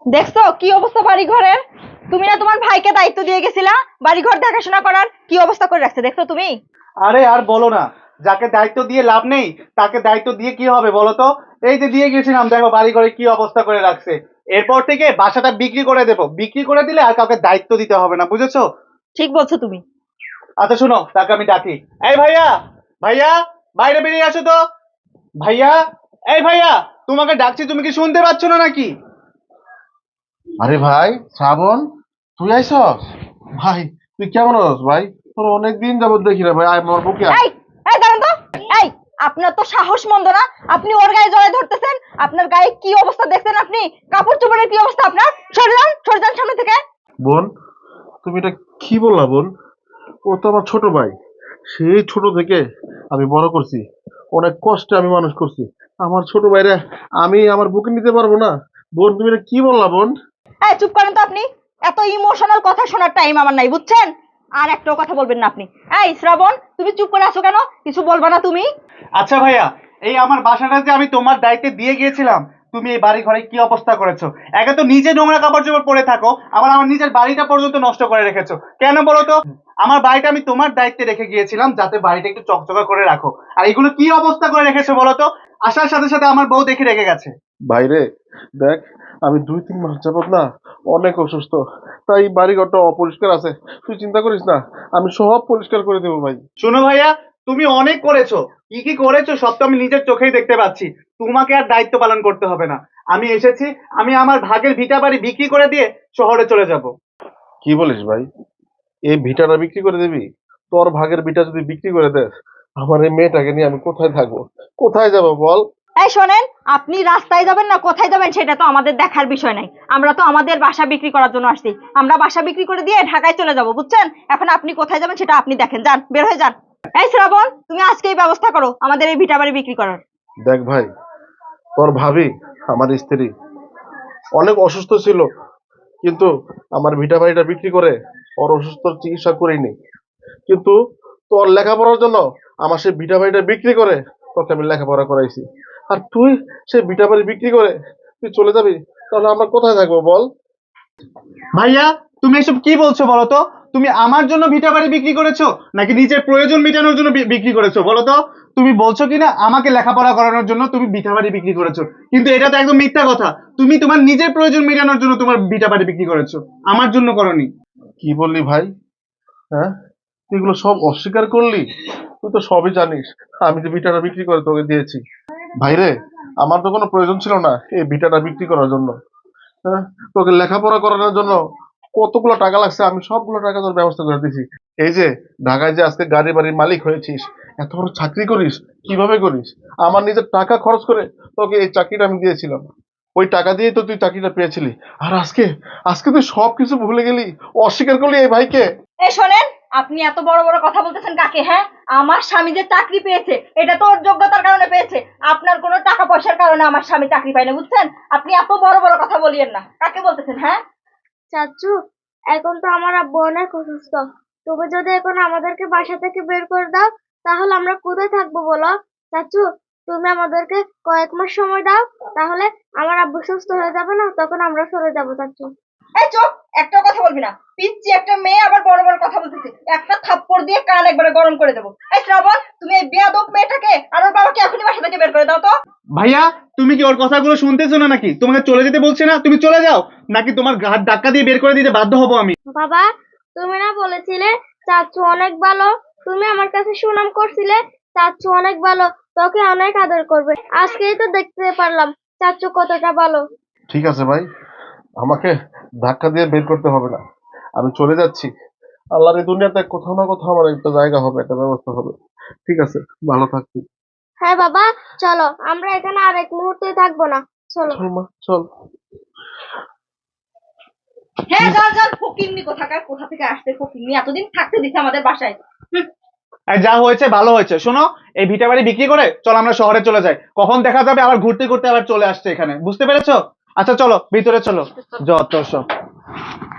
দেখছো কি অবস্থা বাড়ি ঘরের? তুমি না তোমার ভাইকে দায়িত্ব দিয়ে গেছিলা বাড়ি ঘর দেখাশোনা করার, কি অবস্থা করে রাখছে দেখছো তুমি? আরে আর বলো না, যাকে দায়িত্ব দিয়ে লাভ নেই তাকে দায়িত্ব দিয়ে কি হবে বলো তো। এই যে দিয়ে গেছিলাম, দেখো বাড়ি ঘরে কি অবস্থা করে রাখছে। এরপর থেকে বাসাটা বিক্রি করে দেবো, বিক্রি করে দিলে আর কাউকে দায়িত্ব দিতে হবে না, বুঝেছো? ঠিক বলছো তুমি। আচ্ছা শুনো, তাকে আমি ডাকি। এই ভাইয়া, ভাইয়া, বাইরে বেরিয়ে আসো তো। ভাইয়া, এই ভাইয়া, তোমাকে ডাকছি, তুমি কি শুনতে পাচ্ছ না নাকি? আরে ভাই শ্রাবণ, তুই আইসস? ভাই তুই কেমন আছিস ভাই? তোর অনেকদিন যাবত দেখি না ভাই, আয় আমার বুকে আয়। এই, এই দাঁড়ান তো। এই, আপনার তো সাহস মন্দ না, আপনি ওর গায়ে জড়ায় ধরতেছেন। আপনার গায়ে কি অবস্থা দেখছেন আপনি? কাপড় চোপড়ের কি অবস্থা আপনার? সরে যান সামনে থেকে। বোন, তুমি এটা কি বললা বোন? ও তো আমার ছোট ভাই। সেই ছোট থেকে আমি বড় করছি, অনেক কষ্টে আমি মানুষ করছি। আমার ছোট ভাইরা আমি আমার বুকে নিতে পারবো না? বোন তুমি এটা কি বললা বোন? এই চুপ করেন তো আপনি। এত ইমোশনাল কথা শোনার টাইম আমার নাই, বুঝছেন? আর একটাও কথা বলবেন না আপনি। এই শ্রাবণ, তুমি চুপ করে আছো কেন? কিছু বলবা না তুমি? আচ্ছা ভাইয়া, এই আমার বাসাটা যে আমি তোমার দায়িত্বে দিয়ে গিয়েছিলাম, তুমি এই বাড়ি ঘরে কি অবস্থা করেছো। একে তো নিজে নোংরা কাপড় চোপড় পরে থাকো, আবার আমার নিজের বাড়িটা পর্যন্ত নষ্ট করে রেখেছো। কেন বলো তো? আমার বাড়িটা আমি তোমার দায়িত্বে রেখে গিয়েছিলাম যাতে বাড়িটা একটু চকচকা করে রাখো, আর এগুলো কি অবস্থা করে রেখেছো বলো তো। আসার সাথে সাথে আমার বউ দেখে রেখে গেছে। বাইরে দেখ, আমি 2-3 মাস যাবত না অনেক অসুস্থ, তাই বাড়িঘরটা অপরিষ্কার আছে। তুই চিন্তা করিস না, আমি সব পরিষ্কার করে দেবো ভাই। শোনো ভাইয়া, তুমি অনেক করেছো, কি কি করেছো সব তো আমি নিজের চোখেই দেখতে পাচ্ছি। তোমাকে আর দায়িত্ব পালন করতে হবে না। আমি এসেছি, আমি আমার ভাগের ভিটা বাড়ি বিক্রি করে দিয়ে শহরে চলে যাব। কি বলিস ভাই? এই ভিটাটা বিক্রি করে দিবি? তোর ভাগের ভিটা যদি বিক্রি করে দেস, আমার এই মেয়েটাকে নিয়ে আমি কোথায় থাকবো, কোথায় যাবো বল? এই শোনেন, আপনি রাস্তায় যাবেন না কোথায় যাবেন সেটা তো আমাদের দেখার বিষয় নাই। আমরা তো আমাদের বাসা বিক্রি করার জন্য আসছি। আমরা বাসা বিক্রি করে দিয়ে ঢাকায় চলে যাব, বুঝছেন? এখন আপনি কোথায় যাবেন সেটা আপনি দেখেন, যান, বের হয়ে যান। এই শ্রাবণ, তুমি আজকেই ব্যবস্থা করো আমাদের এই ভিটা বাড়ি বিক্রি করার। দেখ ভাই, তোর ভাবি, আমার স্ত্রী, অনেক অসুস্থ ছিল, কিন্তু আমার ভিটা বাড়িটা বিক্রি করে ওর অসুস্থ চিকিৎসা করিনি। কিন্তু তোর লেখাপড়ার জন্য আমার সেই ভিটা বাড়িটা বিক্রি করে তোকে আমি লেখাপড়া করাইছি। আর তুই সেই ভিটা বাড়ি বিক্রি করে তুই চলে যাবি, তাহলে আমরা কোথায় থাকবো বল? ভাইয়া, তুমি এসব কি বলছো বলো তো? তুমি আমার জন্য ভিটা বাড়ি বিক্রি করেছো নাকি নিজের প্রয়োজন মেটানোর জন্য বিক্রি করেছো বলো তো? তুমি বলছো কিনা আমাকে লেখাপড়া করানোর জন্য তুমি ভিটা বাড়ি বিক্রি করেছো, কিন্তু এটা তো একদম মিথ্যা কথা। তুমি তোমার নিজের প্রয়োজন মেটানোর জন্য তোমার ভিটা বাড়ি বিক্রি করেছো, আমার জন্য করনি। কি বললি ভাই? হ্যাঁ, তুই এগুলো সব অস্বীকার করলি? তুই তো সবই জানিস, আমি যে ভিটাটা বিক্রি করে তোকে দিয়েছি। ভাইরে, আমার তো কোনো প্রয়োজন ছিল না এই ভিটাটা বিক্রি করার জন্য। হ্যাঁ, তোকে লেখাপড়া করানোর জন্য কতগুলো টাকা লাগছে আমি সবগুলো টাকা তোর ব্যবস্থা করে দিয়েছি। এই যে ঢাকায় যে আজকে গাড়ি বাড়ির মালিক হয়েছিস, এত বড় চাকরি করিস, কিভাবে করিস? আমার নিজের টাকা খরচ করে তোকে এই চাকরিটা আমি দিয়েছিলাম। ওই টাকা দিয়েই তো তুই চাকরিটা পেয়েছিলি। আর আজকে আজকে তুই সবকিছু ভুলে গেলি, অস্বীকার করলি এই ভাইকে। এই শোনেন, আপনি এত বড় বড় কথা বলতেছেন কাকে? হ্যাঁ, আমার স্বামী যে চাকরি পেয়েছে এটা তো ওর যোগ্যতার কারণে পেয়েছে। আপনার কোনো টাকা পয়সার কারণে আমার স্বামী চাকরি পায় না, বুঝছেন? আপনি এত বড় বড় কথা বলিয়েন না। কাকে বলতেছেন? হ্যাঁ চাচু, এখন তো আমার আব্বু অনেক অসুস্থ। তুমি যদি এখন আমাদেরকে বাসা থেকে বের করে দাও, তাহলে আমরা কোথায় থাকবো বলো? চাচু, তুমি আমাদেরকে কয়েক মাস সময় দাও, তাহলে আমার আব্বু সুস্থ হয়ে যাবে না, তখন আমরা সরে যাবো চাচু। এই চুপ, একটা কথা বলবি না। পিচ্ছি একটা মেয়ে আবার বড় বড় কথা বলতেছে। একটা থাপ্পড় দিয়ে কান একবারে গরম করে দেবো। এই শ্রাবণ, তুমি এই বেয়াদব মেয়েটাকে আর ওর বাবাকে এখনই বাসা থেকে বের করে দাও তো। ভাইয়া, তুমি কি ওর কথাগুলো শুনতেছো না নাকি? তোমাকে চলে যেতে বলছে না, তুমি চলে যাও, নাকি তোমার ঘাট ধাক্কা দিয়ে বের করে দিতে বাধ্য হবো আমি? বাবা, তুমি না বলেছিলে চাচু অনেক ভালো? তুমি আমার কাছে সুনাম করছিলে চাচু অনেক ভালো, তোকে অনেক আদর করবে। আজকেই তো দেখতে পারলাম চাচু কতটা ভালো। ঠিক আছে ভাই, আমাকে ধাক্কা দিয়ে বের করতে হবে না, আমি চলে যাচ্ছি। আল্লাহর এই দুনিয়াতে কোথাও না কোথাও আমার একটা জায়গা হবে, একটা ব্যবস্থা হবে। ঠিক আছে, ভালো থাকবি। হ্যাঁ বাবা, চলো, আমরা এখানে আর এক মুহূর্তে থাকবো না, চলো। চল মা, চল। হ্যাঁ, যান যান, ফকিন্নি কোথাকার, কোথা থেকে আসতে ফকিন্নি, এতদিন থাকতে দিছে আমাদের বাসায়। আর যা হয়েছে ভালো হয়েছে। শোনো, এই ভিটা বাড়ি বিক্রি করে চলো আমরা শহরে চলে যাই, কখন দেখা যাবে আবার ঘুরতে ঘুরতে আবার চলে আসছে এখানে, বুঝতে পেরেছো? আচ্ছা চলো ভিতরে চলো, যত সব।